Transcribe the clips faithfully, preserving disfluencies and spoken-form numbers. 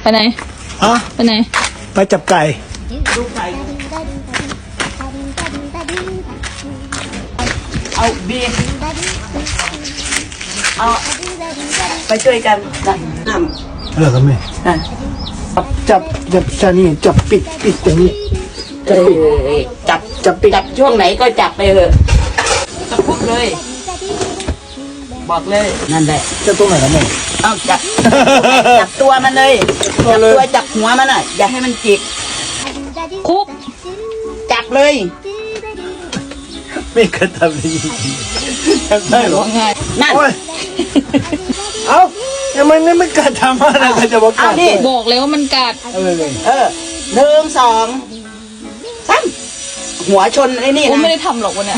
ไปไหนฮะไปไหนไปจับไก่ดูไก่เอาบีเอาไปช่วยกันนะน้ำเออครับแม่จับจับจับชานี่จับปิดปิดอย่างนี้จับปิดจับจับปิดจับช่วงไหนก็จับไปเลยจับพุกเลยบอกเลยนั่นแหละจะตรงไหนครับแม่เอาจับจับตัวมันเลยจับตัวจับหัวมันอ่ะอย่าให้มันจิกคุกจับเลยไม่เคยทำเลยทำได้หรอง่ายนั่นเอ้าทำไมนี่ไม่กัดทำอะไรกันจะบอกกัดบอกเลยว่ามันกัดเออเออหนึ่งสองสามหัวชนไอ้นี่นะไม่ได้ทำหรอกวันเนี้ย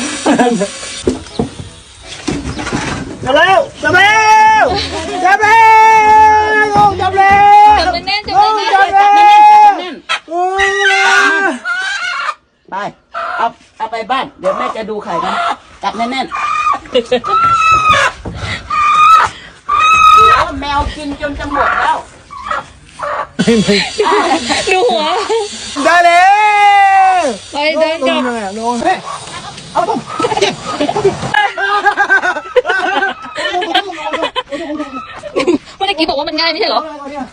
จับแล้วจับแล้วจับแล้วจับแล้วจับแน่นจับแน่นจับแล้วไปเอาเอาไปบ้านเดี๋ยวแม่จะดูไข่นะจับแน่นๆแล้วแมวกินจนจะหมดแล้วดูหัวได้เลยไปเดินกลับเอาต้มเมื่อกี้บอกว่ามันง่ายไม่ใช่เหรอ